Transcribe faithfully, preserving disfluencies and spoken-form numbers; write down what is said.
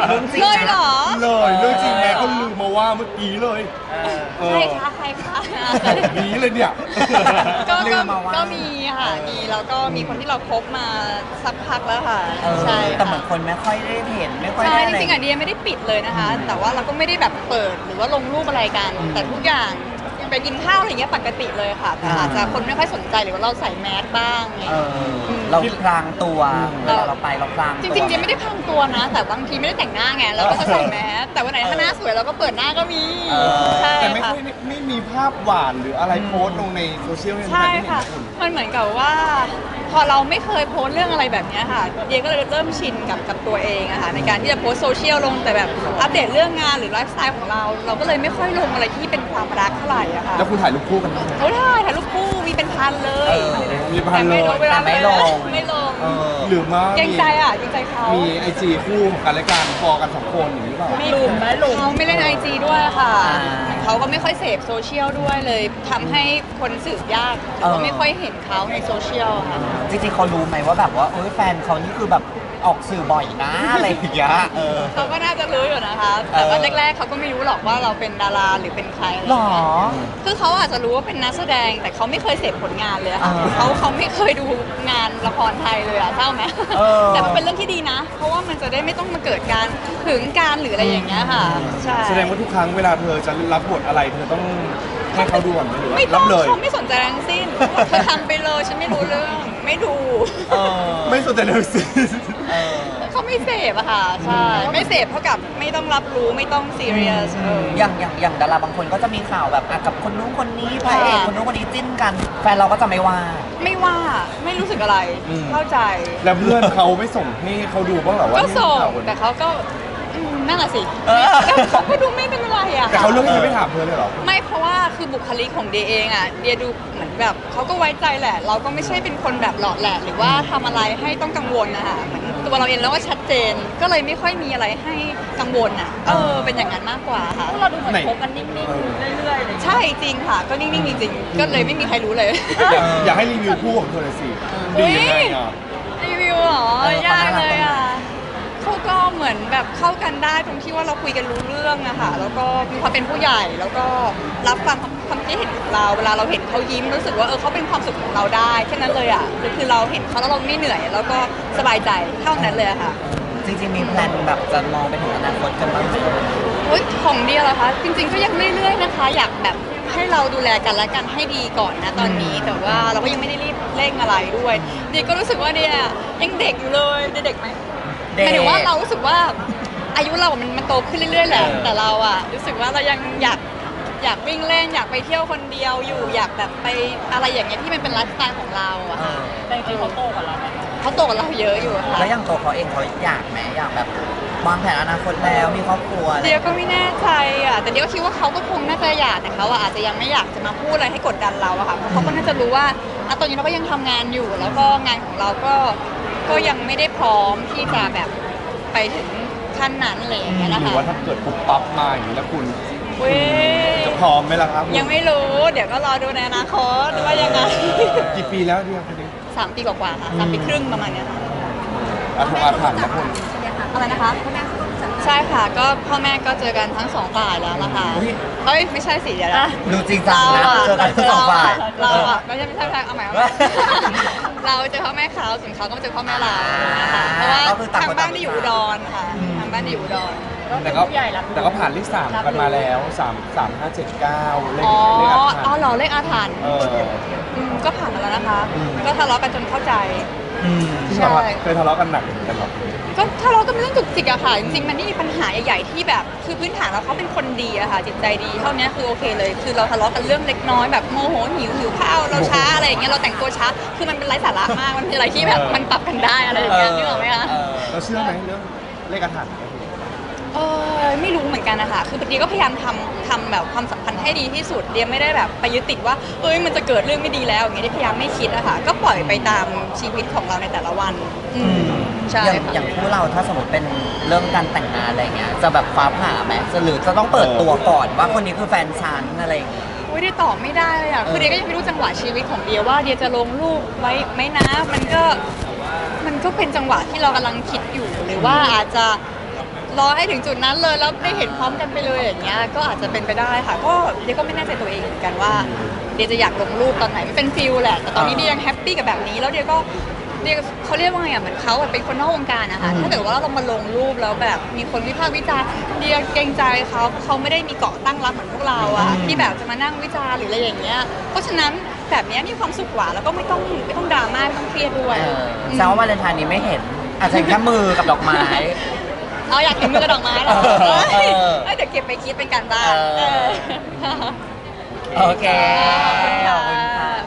เรื่องจริงเลยเหรอเลยเรื่องจริงแม่ก็ลืมมาว่าเมื่อกี้เลยเออใครคะใครคะแบบนี้เลยเนี่ยก็ลืก็มมาว่าก็มีค่ะมีแล้วก็มีคนที่เราคบมาสักพักแล้วค่ะเออใช่แต่เหมืค่ะอนคนไม่ค่อยได้เห็นไม่ค่อยใช่ได้จอะไรริงๆอ่ะเดียไม่ได้ปิดเลยนะคะ แต่ว่าเราก็ไม่ได้แบบเปิดหรือว่าลงรูปอะไรกัน แต่ทุกอย่างไปกินข้าวอะไรอย่างเงี้ยปกติเลยค่ะ แต่อาจจะคนไม่ค่อยสนใจหรือว่าเราใส่แมสบ้างอะไรอเอย่างเงี้ยอเราพลางตัวเวลาเราไปเราพลางจตัวริงๆเดียไม่ได้พังตัวนะ แต่บางทีไม่ได้แต่งหน้าไงเราก็จะใส่แมสแต่วันไหนถ้าหน้าสวยเราก็เปิดหน้าก็มีเออใช่แต่ไม่ค่ะค่อยไม่มีภาพหวานหรืออะไรโพสต์ลงในโซเชียลให้ใช่แฟนๆได้เห็นค่ะนะคุณมันเหมือนกับว่า พอเราไม่เคยโพสต์เรื่องอะไรแบบเนี้ยค่ะ เดียก็เลยเริ่มชินกับกับตัวเองอะค่ะในการที่จะโพสต์โซเชียลลงแต่แบบอัปเดตเรื่องงานหรือไลฟ์สไตล์ของเรา เราก็เลยไม่ค่อยลงอะไรที่เป็นความรักเท่าไหร่อะค่ะแล้วคุณถ่ายรูปคู่กันไหมโอ้ได้ถ่ายรูปคู่มีเป็นพันเลยเออมีพันเลยแต่ไม่ลงเวลาแต่ไม่ลงไม่ลงเออหรือมาเกรงใจอะเกรงใจเขามีไอจีคู่ของกันและกันพอกันสองคนอย่างนี้หรือเปล่าไม่ลุมไม่ลุมเขาไม่เล่นไอจีด้วยค่ะอ่าเขาก็ไม่ค่อยเสพโซเชียลด้วยเลยทำให้คนสืบยากเออก็ไม่ค่อยเห็นเขาในโซเชียลค่ะจริงๆเขารู้ไหมว่าแบบว่าเอ้ยแฟนเขานี่คือแบบออกสื่อบ่อยนะอะไรอย่างเงี้ยเออเขาก็น่าจะรู้อยู่นะคะ แต่ว่าเออแรกๆเขาก็ไม่รู้หรอกว่าเราเป็นดาราหรือเป็นใครอะไรหรอย่างอเงี้ยคือเขาอาจจะรู้ว่าเป็นนักแสดง แต่เขาไม่เคยเสพผลงานเลยอะค่ะอ่าเขาเขาไม่เคยดูงานละครไทยเลยอะเศร้าไหมเออแต่มันเป็นเรื่องที่ดีนะ เพราะว่ามันจะได้ไม่ต้องมาเกิดการหึงการหรืออะไรอย่างเงี้ยค่ะ ใช่แสดงว่าทุกครั้งเวลาเธอจะรับบทอะไรเธอต้องให้เขาดูก่อนไหมหรือว่าไม่ต้รัอบ งเลยเขาไม่สนใจทั้งสิ้นเธอทำไปเลยฉันไม่รู้เรื่องไม่ดูเออไม่สนใจเลยสิเออเขาไม่เสพอะค่ะใช่ไม่เสพเท่ากับไม่ต้องรับรู้ไม่ต้องซีเรียสเอออย่างอย่างอย่างดาราบางคนก็จะมีข่าวแบบอ่ะกับคนนู้นคนนี้พระเอกค่ะคนนู้นคนนี้จิ้นกัน แฟนเราก็จะไม่ว่าไม่ว่าไม่รู้สึกอะไรอืมเข้าใจแล้วเพื่อนเขาไม่ส่งให้เขาดูบ้างเหรอว่าก็นี่ส่งข่าวคนแต่นี้เขาก็อืมนั่นแหละสิเออแล้วเขาก็ดูไม่เป็นไรอะแต่เขาเลือกที่จะไม่ถามเธอเลยเหรอไม่เพราะว่าคือบุคลิกของเดียเองอะเดียดูเหมือนแบบเขาก็ไว้ใจแหละ เราก็ไม่ใช่เป็นคนแบบหล่อแหละหรือว่าทำอะไรให้ต้องกังวลนะคะเหมือนตัวเราเองแล้วก็ชัดเจน ก็เลยไม่ค่อยมีอะไรให้กังวลอะเออเป็นอย่างนั้นมากกว่าค่ะเราดูเหมือนไหนคบกันนิ่งๆ เรื่อยๆเลยใช่จริงค่ะ ก็นิ่งๆจริงๆก็เลยไม่มีใครรู้เลยอยากอยากให้รีวิวคู่ของเธอเลยสิดียังไงอ่ะรีวิวเหรอเออเขายากน่ารักเลยอ่ะเขาก็เหมือนแบบเข้ากันได้ตรงที่ว่าเราคุยกันรู้เรื่องอะค่ะแล้วก็มีความเป็นผู้ใหญ่แล้วก็รับฟังความคิดเห็นของเราเวลาเราเห็นเขายิ้มรู้สึกว่าเออเขาเป็นความสุขของเราได้แค่นั้นเลยอ่ะคือเราเห็นเขาแล้วเราไม่เหนื่อย แล้วก็สบายใจเท่านั้นเลยอะค่ะจริงๆมีแพลนแบบจะมองไปถึงอนาคตกันบ้างไหมเฮ้ยของเดียเหรอคะจริงๆก็ยังเรื่อยๆนะคะ อยากแบบให้เราดูแลกันและกันให้ดีก่อนนะตอนนี้ แต่ว่าเราก็ยังไม่ได้รีบเร่งอะไรด้วยเดียก็รู้สึกว่าเดียยังเด็กอยู่เลยเดียเด็กไหม หมายถึงว่าเรารู้สึกว่าอายุเรามันมันโตขึ้นเรื่อยๆแหละ แต่เราอะรู้สึกว่าเรายังอยากอยากวิ่งเล่นอยากไปเที่ยวคนเดียวอยู่อยากแบบไปอะไรอย่างเงี้ยที่มันเป็นไลฟ์สไตล์ของเราอะเอค่ะอแต่จริงๆเขาโตกว่าเราไหมเขาโตกว่าเราเยอะอยู่อะค่ะแล้วอย่างตัวเขาเองเขาอยากไหมอยากแบบวางแผนอนาคตแล้วมีครอบครัวอะไรเดียก็ไม่แน่ใจอะแต่เดียก็คิดว่าเขาก็คงน่าจะอยากแต่เขาอะอาจจะยังไม่อยากจะมาพูดอะไรให้กดดันเราอะค่ะเพราะเขาก็น่าจะรู้ว่าอะตอนนี้เราก็ยังทำงานอยู่ แล้วก็งานของเราก็ก็ยังไม่ได้พร้อมที่จะแบบไปถึงขั้นนั้นอะไรอย่างเงี้ยนะหรือคะว่าถ้าเกิดปุ๊บปั๊บมาอย่างนี้แล้วคุณเว้ยจะพร้อมไหมล่ะครับยังไม่รู้ เดี๋ยวก็รอดูในอนาคตว่ายังไงกี่ปีแล้วเดียวคนนี้สามปีกว่าๆค่ะสามปีครึ่งประมาณเนี้ยค่ะอาถงอาถรรพ์นะคุณอะไรนะคะใช่ค่ะ ก็พ่อแม่ก็เจอกันทั้งสองฝ่ายแล้วล่ะค่ะเฮ้ยไม่ใช่สิเดี๋ยวนะดูจริงจังนะเจอกันทั้งสองฝ่ายเราอะไม่ใช่ไม่ใช่ไม่ใช่เอาใหม่เอาใหม่เราเจอพ่อแม่เขาส่วนเขาก็มาเจอพ่อแม่เรานะคะเพราะว่าก็คือต่างทางคนบ้าต่าน งที่อยู่อุดรค่ะทางบ้านที่อยู่อุดรแต่ก็แต่ก็ผ่านเลขสามกันมาแล้วสามสามห้าเจ็ดเก้าเลขอ๋อเลขอาถรอ๋อรพ์เหรอเลขอาถรรพ์เอออืมก็ผ่านมาแล้วนะคะ ก็ทะเลาะกันจนเข้าใจอืมที่แบบว่าเคยทะเลาะกันหนักเหมือนกันหรอก็ทะเลาะกันเป็นเรื่องจุกจิกอะค่ะ จริงๆมันนี่มีปัญหาใหญ่ๆที่แบบคือพื้นฐานแล้วเขาเป็นคนดีอะค่ะจิตใจดีเท่านี้คือโอเคเลย คือเราทะเลาะกันเรื่องเล็กน้อยแบบโมโหหิวหิวข้าวเราช้าอะไรอย่างเงี้ยเราแต่งตัวช้าคือมันเป็นไร้สาระมากมันเป็นอะไรที่แบบมันปรับกันได้อะไรอย่างเงี้ยนึกออกไหมคะเออเราเชื่อไหมเรื่องเลขอาถรรพ์เออไม่รู้เหมือนกันนะคะคือเดียก็พยายามทำทำแบบความสัมพันธ์ให้ดีที่สุดเดียไม่ได้แบบไปยึดติดว่าเอ้ยมันจะเกิดเรื่องไม่ดีแล้วอย่างเงี้ยเดียพยายามไม่คิดอะค่ะก็ปล่อยไปตามชีวิตของเราในแต่ละวันอืมใช่อย่างค่ะอย่างคู่เราถ้าสมมติเป็นเรื่องการแต่งงานอะไรเงี้ยจะแบบฟ้าผ่าไหมจะหรือจะต้องเปิดตัวก่อนว่าคนนี้คือแฟนฉันอะไรอย่างเงี้ยอุ้ยเดียตอบไม่ได้เลยอ่ะ คือเดียก็ยังไม่รู้จังหวะชีวิตของเดียว่าเดียจะลงรูปไว้ไหมนะ มันก็มันก็เป็นจังหวะที่เรากำลังคิดอยู่ หรือว่าอาจจะรอให้ถึงจุดนั้นเลยแล้วได้เห็นพร้อมกันไปเลยอย่างเงี้ยก็อาจจะเป็นไปได้ค่ะก็เดียก็ไม่แน่ใจตัวเองเหมือนกันว่าเดียจะอยากลงรูปตอนไหนมันเป็นฟิลแหละแต่ตอนนี้เดียยังแฮปปี้กับแบบนี้แล้วเดียก็เดียเขาเรียกว่าไงอ่ะเหมือนเขาอะเป็นคนนอกวงการนะคะถ้าเกิดว่าเรามาลงรูปแล้วแบบมีคนวิพากษ์วิจารณ์เดียเกรงใจเขาเขาไม่ได้มีเกาะตั้งรับเหมือนพวกเราอะที่แบบจะมานั่งวิจารณ์หรืออะไรอย่างเงี้ยเพราะฉะนั้นแบบเนี้ยมีความสุขกว่าแล้วก็ไม่ต้องไม่ต้องดราม่าไม่ต้องเครียดด้วยเออแสดงว่าวาเลนไทน์นี้ไม่เห็น อาจจะเห็นแค่มือกับดอกไม้เอาอยากเห็นมือกับดอกไม้เหรอเออเอ้ยเอ้ยเดี๋ยวเก็บไปคิดเป็นการบ้านเออเออโอเค ขอบคุณค่ะ